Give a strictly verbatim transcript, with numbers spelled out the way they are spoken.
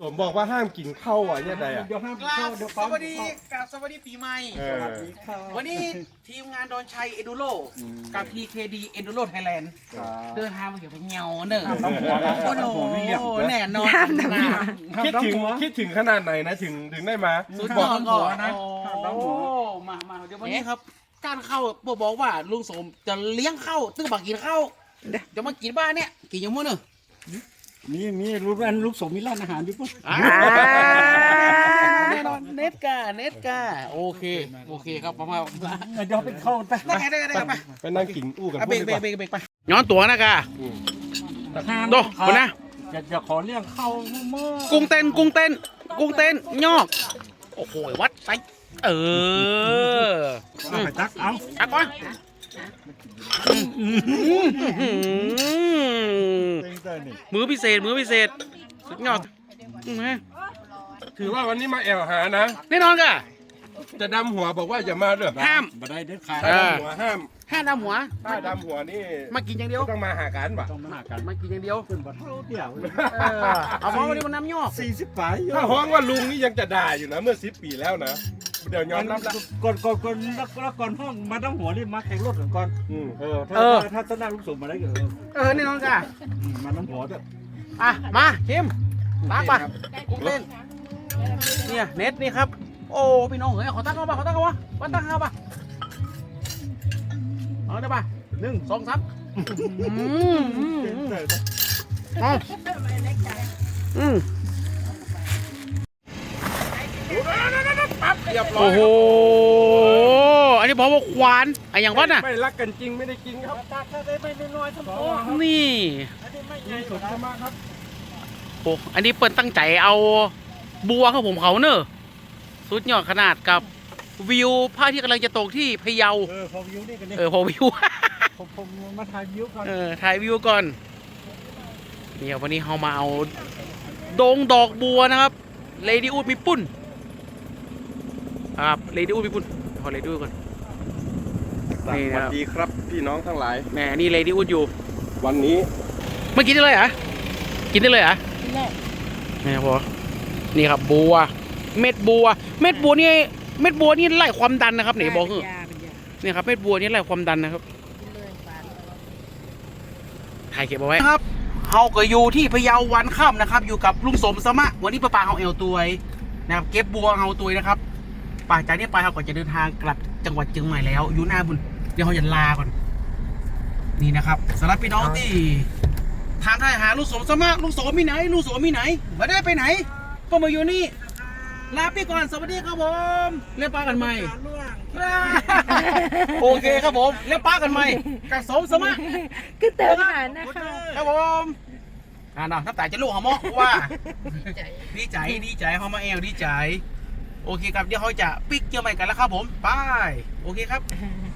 ผมบอกว่าห้ามกินข้าวอ่ะเนี่ยใดอ่ะเดี๋ยวห้ามกราเข้าบเดี๋ยวสปั๊มวัสดีกราบสวัสดีปีใหม่เออวันนี้ทีมงานดอนชัยเอดูโรกับ พี เค ดี เอดูโรไทยแลนด์เดินทางมาเกี่ยวกับเงาเนอะโอ้โหแน่นอนคิดถึงคิดถึงขนาดไหนนะถึงถึงได้มาสุดยอดก็โอ้มามาเดี๋ยววันนี้ครับ การเข้าบอกว่าลุงสมจะเลี้ยงเข้าตื้อบักกินเข้าจะมากินบ้านเนี่ยกินยังมั้งเนอะมีมีรูปอันรูปสมมีร้านอาหารอยู่ปุ๊บแน่นอนเน็ตกาเน็ตกาโอเคโอเคครับประมาณเดี๋ยวไปเข้าไปได้ไงได้ไงได้ไงไปไปนั่งกินอู้กันอ่ะพเบรวกกเบรดีกกเบรว่ากเบรกไปย้อนตัวนะกา โดคนนะอย่าอย่าขอเรื่องเข้าเมื่อกุ้งเต้นกุ้งเต้นกุ้งเต้นยอกโอ้โหวัดไซเออไปตักเอาตักก่อนมือพิเศษมือพิเศษสุดยอดอื้อหือถือว่าวันนี้มาแอวหานะแน่นอนกะจะดำหัวบอกว่าอย่ามาเด้อห้ามบ่ได้เด็ดขาดเออดำหัวห้ามห้ามดำหัวถ้าดำหัวนี่มากินอย่างเดียวต้องมาหากันป่ะต้องมาหากันมากินอย่างเดียวขึ้นบ่เท่าเดียวเออเอาเพราะวันนี้มันน้ำยอกสี่สิบปลายอยู่ถ้าฮ้องว่าลุงนี่ยังจะด่าอยู่นะเมื่อสิบปีแล้วนะเดี๋ยวยอมรับละก่อนก่อนก่อนแล้วก่อนห้องมาต้องหัวนี่มาแข่งรถก่อนก่อนอืมเออถ้าถ้าถ้านั่งลูกสมมาได้ก็เออเออแน่นอนกะมาน้ำหัวด้วยอ่ะมาชิมตักไปกุ้งเต้นเนี่ยเน็ตนี่ครับโอ้พี่น้องเฮ้ยขอตั้งเข้าป่ะขอตั้งเข้าป่ะวัดตั้งเข้าป่ะเอาได้ป่ะหนึ่งสองสามอืมอืมอืมเอาอืมปั๊บเรียบร้อยโอ้โหอันนี้บอกว่าควานไอ้อย่างวัดน่ะไม่รักกันจริงไม่ได้กินครับถ้าได้ไม่น้อยๆทั้งตัวนี่อันนี้ไม่ใหมีญ่สุดสมาครับโอ้อันนี้เปิ้นตั้งใจเอาบัวครับผมเขาเนอะสุดยอดขนาดกับวิวพระอาที่กำลังจะตกที่พะเยาเออพอวิวนี่กันนี่เออพอวิวผมผมมาถ่ายวิวก่อนเออถ่ายวิวก่อนเนี่ยวันนี้เรามาเอาดงดอกบัวนะครับเลดี้อูดมีปุ้นครับเลดี้อูดมีปุ้นขอเลดี้อูดก่อนสวัสดีครับพี่น้องทั้งหลายแหมนี่เลดี้อูดอยู่วันนี้ไม่กินได้เลยเหรอกินได้เลยเหรอนี่พอนี่ครับบัว เม็ดบัว เม็ดบัวนี่เม็ดบัวนี่ไล่ความดันนะครับไหนบอกคือนี่ครับเม็ดบัวนี่ไล่ความดันนะครับถ่ายเก็บเอาไว้ครับเฮาก็อยู่ที่พะเยาวันค่ำนะครับ อยู่กับลุงสมสมะวันนี้ป้าปาเฮาเอวตัวยนะครับเก็บบัวเฮาตัวยนะครับป่าจากนี้ไปเฮาก็จะเดินทางกลับจังหวัดเชียงใหม่แล้วอยู่หน้าบุญเดี๋ยวเฮาจะลาก่อนนี่นะครับสำหรับพี่น้องที่ทางทายหาลุงสมสมะลุงสมมีไหนลุงสมมีไหนไม่ได้ไปไหนก็มาอยู่นี่ลาไปก่อนสวัสดีครับผมเล่นปลากันใหม่ โอเคครับผมเล่นปลากันใหม่กับสมสมะก็เติมหานะคะครับผมอ่าน้ำตาจะลูกหอมอกว่า ดีใจดีใจเขามาเอลดีใจ โอเคครับเดี๋ยวเขาจะปิกเกี่ยวใหม่กันแล้วครับผมไปโอเคครับ